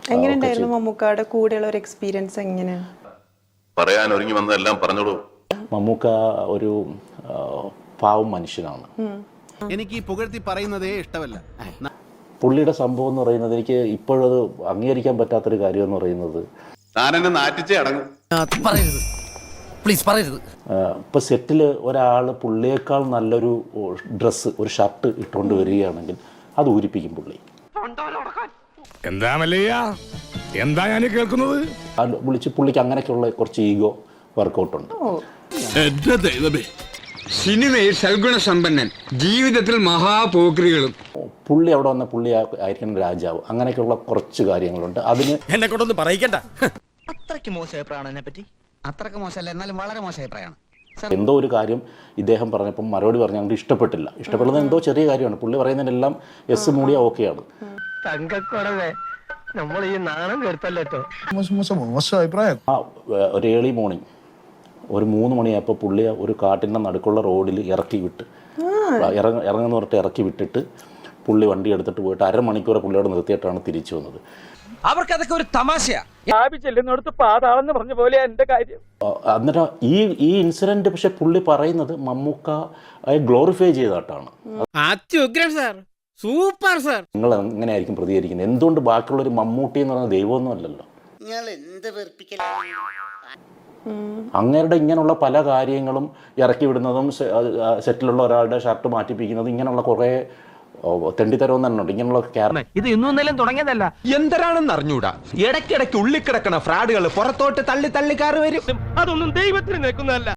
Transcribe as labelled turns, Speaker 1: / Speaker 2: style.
Speaker 1: എങ്ങനെയുണ്ടായിരുന്നു മമ്മൂക്കയുടെ കൂടെയുള്ള ഒരു എക്സ്പീരിയൻസ് എങ്ങനെയാണ്?
Speaker 2: പറയാൻ ഒരുങ്ങി വന്നതെല്ലാം പറഞ്ഞോളൂ.
Speaker 3: മമ്മൂക്ക ഒരു പാവം മനുഷ്യനാണ്.
Speaker 4: എനിക്ക് ഈ പുകഴ്ത്തി പറയുന്നതേ ഇഷ്ടമല്ല.
Speaker 3: പുള്ളിയുടെ സംഭവം എന്ന് പറയുന്നത് എനിക്ക് ഇപ്പോഴത് അംഗീകരിക്കാൻ പറ്റാത്തൊരു കാര്യം എന്ന് പറയുന്നത്,
Speaker 2: താനെന്നെ നാറ്റിച്ചേ അടങ്ങും.
Speaker 4: പറയരുത്, പ്ലീസ് പറയരുത്.
Speaker 3: ഇപ്പോൾ സെറ്റിൽ ഒരാൾ പുള്ളിയേക്കാൾ നല്ലൊരു ഡ്രസ്സ്, ഒരു ഷർട്ട് ഇട്ടുകൊണ്ട് വരികയാണെങ്കിൽ അത് ഊരിപ്പിക്കും പുള്ളി.
Speaker 5: എന്താ മല്ലയ്യ, എന്താ ഞാൻ കേൾക്കുന്നത്?
Speaker 3: വിളിച്ച് പുള്ളിക്ക് അങ്ങനെയൊക്കെയുള്ള കുറച്ച് ഈഗോ വർക്കൗട്ടുണ്ട്.
Speaker 5: എന്റെ ദൈവമേ,
Speaker 6: സിനിമയിൽ സൽഗുണ സമ്പന്നൻ, ജീവിതത്തിൽ മഹാപോക്രികളും.
Speaker 3: പുള്ളി അവിടെ വന്ന പുള്ളി ആയിരിക്കണം രാജാവ്. അങ്ങനെയൊക്കെയുള്ള കുറച്ച് കാര്യങ്ങളുണ്ട്. അതിന്
Speaker 5: എന്നെ കൊണ്ടൊന്ന് പറയിക്കണ്ട.
Speaker 7: അത്രയ്ക്ക് മോശം അഭിപ്രായമാണ് എന്നെ പറ്റി. അത്രയ്ക്ക് മോശമല്ല, എന്നാലും വളരെ മോശം അഭിപ്രായമാണ്.
Speaker 3: എന്തോ ഒരു കാര്യം ഇദ്ദേഹം പറഞ്ഞപ്പം മറുപടി പറഞ്ഞാൽ ഞങ്ങൾക്ക് ഇഷ്ടപ്പെട്ടില്ല. ഇഷ്ടപ്പെടുന്നത് എന്തോ ചെറിയ കാര്യമാണ്. പുള്ളി പറയുന്നതിനെല്ലാം എസ് മൂടിയ ഓക്കെയാണ്.
Speaker 7: തങ്കക്കുറവേ, നമ്മൾ ഈ നാണം കെടുത്തല്ലോ.
Speaker 8: മോശം അഭിപ്രായം.
Speaker 3: ആ ഒരു ഏർലി മോർണിംഗ് ഒരു 3 മണിയായപ്പോൾ പുള്ളി ഒരു കാട്ടിൻ്റെ നടുക്കുള്ള റോഡിൽ ഇറക്കി വിട്ട് ഇറങ്ങുന്ന പറഞ്ഞിട്ട് ഇറക്കി വിട്ടിട്ട് പുള്ളി വണ്ടി എടുത്തിട്ട് പോയിട്ട് അരമണിക്കൂർ പുള്ളിയോട് നിർത്തിയിട്ടാണ് തിരിച്ചു വന്നത്.
Speaker 4: അവർക്കതൊക്കെ ഒരു തമാശയാ.
Speaker 7: പാതാളെന്ന് പറഞ്ഞ പോലെ എന്റെ കാര്യം.
Speaker 3: എന്നിട്ട് ഈ ഇൻസിഡന്റ് പക്ഷെ പുള്ളി പറയുന്നത് മമ്മൂക്ക ഗ്ലോറിഫൈ ചെയ്തിട്ടാണ്.
Speaker 4: അത്യുഗ്രൻ സാർ, സൂപ്പർ സാർ.
Speaker 3: നിങ്ങൾ എങ്ങനെയായിരിക്കും പ്രതികരിക്കുന്നത്? എന്തുകൊണ്ട് ബാക്കിയുള്ളൊരു മമ്മൂട്ടി എന്ന് പറയുന്ന ദൈവമൊന്നും അല്ലല്ലോ. അങ്ങേരുടെ ഇങ്ങനെയുള്ള പല കാര്യങ്ങളും ഇറക്കി വിടുന്നതും സെറ്റിലുള്ള ഒരാളുടെ ഷർട്ട് മാറ്റിപ്പിക്കുന്നതും ഇങ്ങനെയുള്ള കുറേ തെണ്ടിത്തരവും തന്നെ ഉണ്ട്. ഇങ്ങനെയുള്ള
Speaker 7: ഇത് ഇന്നും ഇന്നലെയും തുടങ്ങിയതല്ല.
Speaker 9: എന്തരാണെന്ന് അറിഞ്ഞൂടാ. ഇടയ്ക്കിടയ്ക്ക് ഉള്ളിക്കിടക്കണ ഫ്രാഡുകൾ പുറത്തോട്ട് തള്ളി തള്ളി കയറി വരും.
Speaker 7: അതൊന്നും ദൈവത്തിന് നിൽക്കുന്നതല്ല.